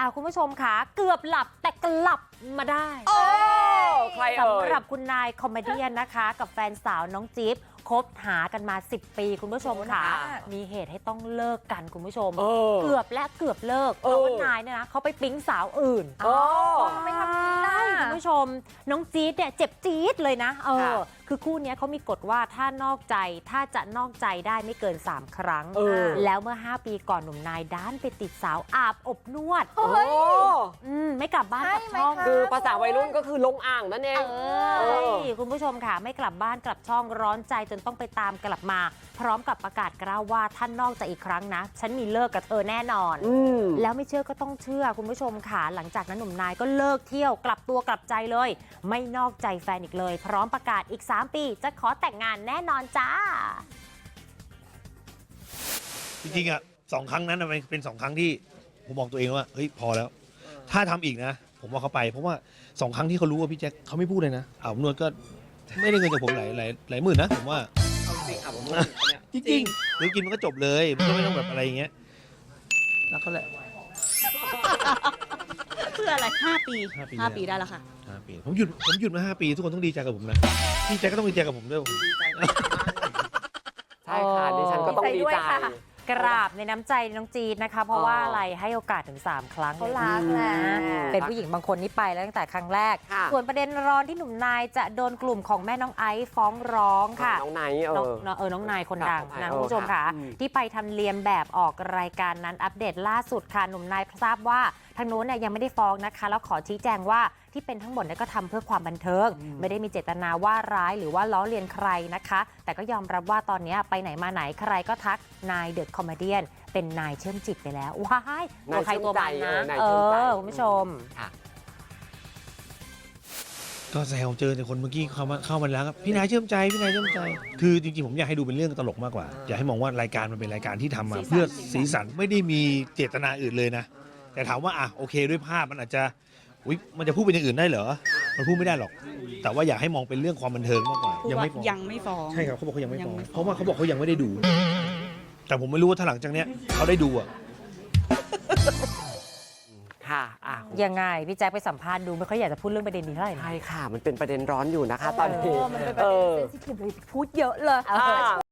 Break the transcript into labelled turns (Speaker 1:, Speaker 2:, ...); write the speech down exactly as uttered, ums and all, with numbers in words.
Speaker 1: อ่าคุณผู้ชมค่ะเกือบหลับแต่กลับมาได้
Speaker 2: โอ้ใครเอ่ย
Speaker 1: สำหรับคุณนายคอมเมเดี้นะคะ กับแฟนสาวน้องจิ๊บคบหากันมาสิบปีคุณผู้ชมค่ะ มีเหตุให้ต้องเลิกกันคุณผู้ชม
Speaker 2: เออ
Speaker 1: เกือบและเกือบเลิกเพราะว่านายเนี่ยนะเขาไปปิ๊งสาวอื่น
Speaker 2: โอ้
Speaker 1: ทำไมทำนี้ได้คุณผู้ชมน้องจี๊ดเนี่ยเจ็บจี๊ดเลยนะเออ
Speaker 2: ค่ะ
Speaker 1: คือคู่เนี้ยเขามีกฎว่าถ้านอกใจถ้าจะนอกใจได้ไม่เกินสามครั้ง
Speaker 2: เออ
Speaker 1: แล้วเมื่อห้าปีก่อนหนุ่มนายด้านไปติดสาวอาบอบนวด
Speaker 2: โอ้
Speaker 1: อืมไม่กลับบ้านกลับช่อง
Speaker 2: คือภาษาวัยรุ่นก็คือลงอ่างนั่นเอง
Speaker 1: เอ
Speaker 2: เอ
Speaker 1: อ
Speaker 2: อ
Speaker 1: คุณผู้ชมค่ะไม่กลับบ้านกลับช่องร้อนใจจนต้องไปตามกลับมา พร้อมกับประกาศกล้าวว่าท่านนอกใจอีกครั้งนะ ฉันมีเลิกกับเธอแน่นอน
Speaker 2: อืม
Speaker 1: แล้วไม่เชื่อก็ต้องเชื่อคุณผู้ชมค่ะหลังจากนั้นหนุ่มนายก็เลิกเที่ยวกลับตัวกลับใจเลย ไม่นอกใจแฟนอีกเลย พร้อมประกาศอีกสามปีจะขอแต่งงานแน่นอนจ้า
Speaker 3: จริงๆอ่ะสองครั้งนั้นน่ะมันเป็นสองครั้งที่ผมบอกตัวเองว่าเฮ้ยพอแล้ว ถ้าทำอีกนะ ผมว่าเขาไป เพราะว่าสองครั้งที่เขารู้ว่าพี่แจ็คเขาไม่พูดเลยนะอาบอบนวดก็ไม่ได้เงินจากผมหลายหลายหลายหมื่นนะผมว่า
Speaker 2: เอาจริงอาบอบนวดเนี่ย
Speaker 3: จริงๆหรือกินมันก็จบเลยมันก็ไม่ต้องแบบอะไรอย่างเงี้ยรักเขาแหละ
Speaker 4: เพื่ออะไรห้าปี
Speaker 3: ห้าปี
Speaker 4: ห้า
Speaker 3: แล้ว
Speaker 4: ปีได้แล้วค่ะ
Speaker 3: ห้าปีผมหยุดผมหยุดมาห้าปีทุกคนต้องดีใจกับผมนะพี่แจ็คก็ต้องดีใจกับผมด้วย
Speaker 2: ใช่ค่ะดิฉันก็ต้องดีใจ
Speaker 1: กราบในน้ำใจน้องจีดนะคะ เพราะว่าอะไรให้โอกาสถึงสามครั้ง
Speaker 5: เขารักแหละ
Speaker 1: เป็นผู้หญิงบางคนนี่ไปแล้วตั้งแต่ครั้งแรก
Speaker 2: ค่ะ
Speaker 1: ส่วนประเด็นร้อนที่หนุ่มนายจะโดนกลุ่มของแม่น้องไอซ์ฟ้องร้องค่ะ
Speaker 2: น้องไนท์เอ
Speaker 1: น้อง
Speaker 2: อ
Speaker 1: น้องเออน้องนายคนดัง
Speaker 2: ค่ะ
Speaker 1: นะ
Speaker 2: เออ
Speaker 1: คุณผู้ชมค่ะ
Speaker 2: ค่ะอืม
Speaker 1: ที่ไปทำเลียนแบบออกรายการนั้นอัปเดตล่าสุดค่ะหนุ่มนายทราบว่าทางโน้นเนี่ยยังไม่ได้ฟ้องนะคะ แล้วขอชี้แจงว่าที่เป็นทั้งหมดเนี่ยก็ทำเพื่อความบันเทิง ไม่ได้มีเจตนาว่าร้ายหรือว่าล้อเลียนใครนะคะ แต่ก็ยอมรับว่าตอนนี้ไปไหนมาไหนใครก็ทักนายเดอะคอมเมเดี้เป็นนายเชื่อมจิตไปแล้วว้ายตัวใครตัวมันนะ
Speaker 2: นาย
Speaker 1: เอ
Speaker 2: เชื่อมใจ
Speaker 1: อคุณผู้ชม
Speaker 2: ค่ะ
Speaker 3: ก็แซวเจอแต่คนเมื่อกี้เข้ามาเข้ามาแล้วครับพี่นายเชื่อมใจพี่นายเชื่อมใจ คือจริงๆผมอยากให้ดูเป็นเรื่องตลกมากกว่า อยากให้มองว่ารายการมันเป็นรายการที่ทำมาเพื่อสีสันไม่ได้มีเจตนาอื่นเลยนะ แต่ถามว่าอ่ะโอเคด้วยภาพมันอาจจะอุ๊ยมันจะพูดเป็นอย่างอื่นได้เหรอมันพูดไม่ได้หรอก แต่ว่าอยากให้มองเป็นเรื่องความบันเทิงมากกว่า ยังไม่ฟ้อง
Speaker 4: ยังไม่ฟ้อง
Speaker 3: ใช่ครับเขาบอกเขายังไม่ฟ้อง
Speaker 4: ยังไม่ฟ้อง
Speaker 3: เพราะว่าเขาบอกเขายังไม่ได้ดู แต่ผมไม่รู้ว่าถ้าหลังจากเนี้ยเขาได้ดูอ่ะ
Speaker 2: ค่ะอ่ะ
Speaker 1: ยังไงพี่แจ๊คไปสัมภาษณ์ดูไม่ค่อยอยากจะพูดเรื่องประเด็นนี้เท่าไหร่นะ
Speaker 2: ใช่ค่ะ มันเป็นประเด็นร้อนอยู่นะคะ ตอนนี้
Speaker 5: มันเป็นประเด็นเซนซิทีฟเลยพูดเยอะเลย
Speaker 1: เออ